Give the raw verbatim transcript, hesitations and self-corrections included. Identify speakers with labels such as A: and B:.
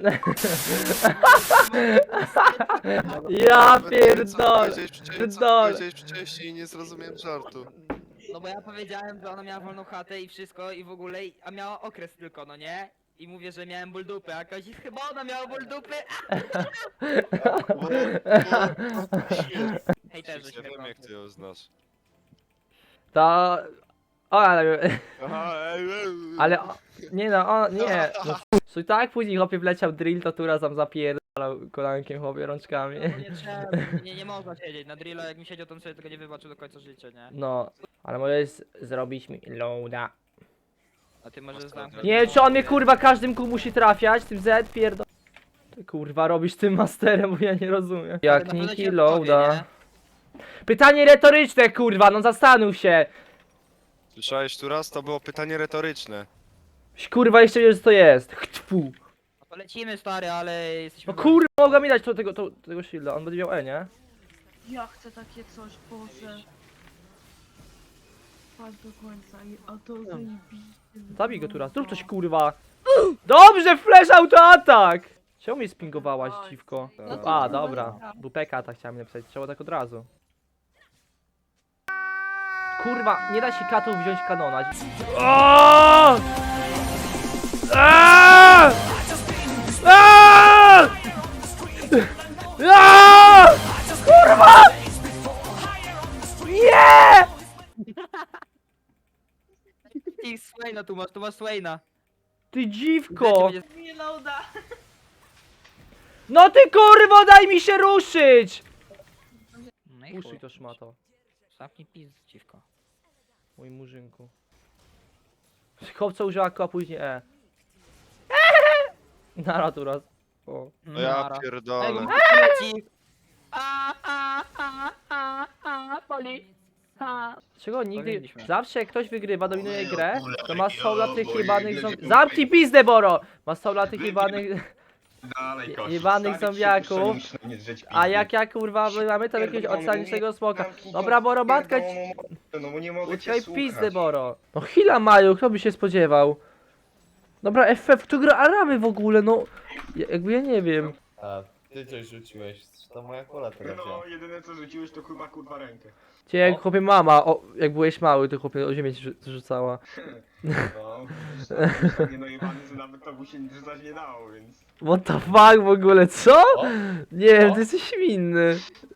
A: Ja
B: Co
A: pierdolę.
B: powiedziałeś wcześniej- co
A: Pierdolę.
B: powiedziałeś wcześniej i nie zrozumiałem żartu.
C: No bo ja powiedziałem, że ona miała wolną chatę i wszystko i w ogóle, i- a miała okres tylko, no nie? I mówię, że miałem ból dupy, a Kazik chyba ona miała ból dupy,
B: Bo, bo,
C: hejterzy
B: ja
C: się
B: wiem
C: chyba.
B: jak ty ją znasz.
A: To... O, ale...
B: Aha, ej, ej,
A: Ale... o- Nie no, o, nie. No, słuchaj, tak później chłopie wleciał drill, to Tura tam zapierdalał kolankiem chłopie rączkami.
C: No nie trzeba, nie, nie można siedzieć, na drilla jak mi siedział, to bym sobie tego nie wybaczył do końca życia, nie?
A: No, ale możesz zrobić mi loada.
C: A ty możesz zamknąć...
A: Nie wiem, czy on mnie kurwa każdym kół musi trafiać, tym Z pierdol... Ty kurwa robisz tym masterem, bo ja nie rozumiem. Jak
C: na pewno
A: Niki
C: ci odpowie,
A: loada.
C: nie?
A: Pytanie retoryczne kurwa, no zastanów się.
B: Słyszałeś tu raz? To było pytanie retoryczne.
A: Kurwa jeszcze wiesz co to jest. Chtfu.
C: No to lecimy stary, ale jesteśmy...
A: No kurwa mogła mi dać to, tego, to, tego shielda, on będzie miał E, nie?
D: Ja chcę takie coś, Boże. Patrz do końca, i- a to zajebiście.
A: Zabij go tu raz, zrób coś kurwa. Dobrze, flash autoatak! Czemu mnie spingowałaś, dziwko? A, dobra. W P K tak chciałem napisać, trzeba tak od razu. Kurwa, nie da się katów wziąć kanona. O! Aaaa! Aaaa! Aaaa! Kurwa! Nie!
C: Ty Swaina tu masz, tu masz Swaina.
A: Ty dziwko!
C: Będzie...
D: Nie loada.
A: No ty kurwo, daj mi się ruszyć!
C: No i
A: Uszyj
C: chuj.
A: to szmato,
C: Zamknij pizd, dziwko.
A: mój murzynku. Chłopca użyła ko, a później E. Nara tu raz. O.
B: No ja
C: Nara. Ej, bo
B: pierdolę.
C: mu leci. A, a, a, a, a, boli. A.
A: Czego nigdy...
C: Powinniśmy.
A: Zawsze jak ktoś wygrywa, dominuje grę, to ma sola tych jebanych zombiaków. Zamknij pizdę, Boro! Ma sola tych jebanych...
E: Dalej, kości.
A: jebanych
E: Stary,
A: zombiaków.
E: przypuszczaj, musisz na mnie drzeć
A: A
E: pizdy.
A: jak ja kurwa, my mamy tam jakiegoś
E: Pierdolę,
A: oceanicznego
E: no,
A: smoka.
E: zamknij
A: Dobra,
E: to,
A: Boro, matka ci...
E: pierdolę, No bo nie mogę cię
A: Utkaj
E: słuchać.
A: pizdę, Boro. No chwila Maju, kto by się spodziewał? Dobra, F F, kto gra Araby w ogóle, no... Ja- Jakby ja nie wiem.
F: A, ty coś rzuciłeś, to moja kola teraz
E: No,
F: wzięła.
E: jedyne co rzuciłeś to chyba kurwa rękę.
A: Cię jak
F: O.
A: chłopie mama, o, jak byłeś mały, to chłopie o ziemię ci rzu- rzucała.
E: No, już tak nie dojebany, że nawet to mu się rzucać nie dało, więc...
A: What the fuck w ogóle, co?
F: O,
A: Nie wiem,
F: O.
A: ty jesteś inny.